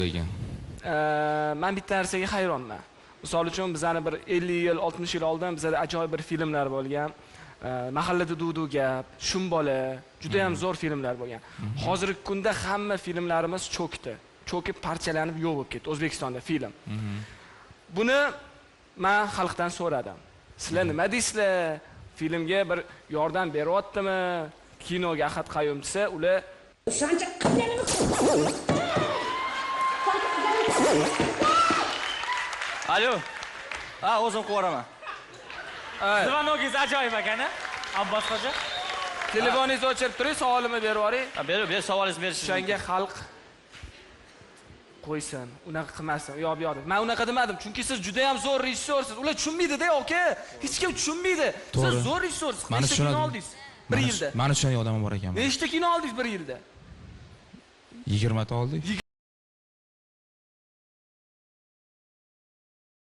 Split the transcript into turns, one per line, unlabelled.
degan.
Men bitta narsaga hayronman. Misol uchun bizani bir 50 yil, 60 yil oldin bizada ajoyib bir filmlar bo'lgan. Mahallada Dudu gap, Shumbola, juda ham zo'r filmlar bo'lgan. Hozirgi kunda hamma filmlarimiz cho'kdi. Cho'kib parchalanib yo'q bo'lib ketdi O'zbekistonda film. Buni men xalqdan so'radim. Sizlar nima deysizlar? Filmga bir yordam beryaptimi? Kinoga Ahad Qayum desa, ular
o'shancha qilganimiz.
Alo. Ha, o'zim qo'raman.
Zvanogingiz ajoyib ekan-a? Abbos xo'ja.
telefoningizni o'chirib turing, savolimni berib yuboring.
Ber, savolingizni berish.
O'shanga xalq qo'ysin, unaqa qilmasin. Yo'q, bu yoqda. Men unaqa demadim, chunki siz juda ham zo'r rejissyorsiz. Ular tushunmaydi-da, aka. Hech kim tushunmaydi. Siz zo'r rejissyorsiz. Nechta kino oldingiz? 1 yilda.
Mani tushunadigan odam bor ekan.
Nechta kino oldingiz 1 yilda?
20 ta oldik.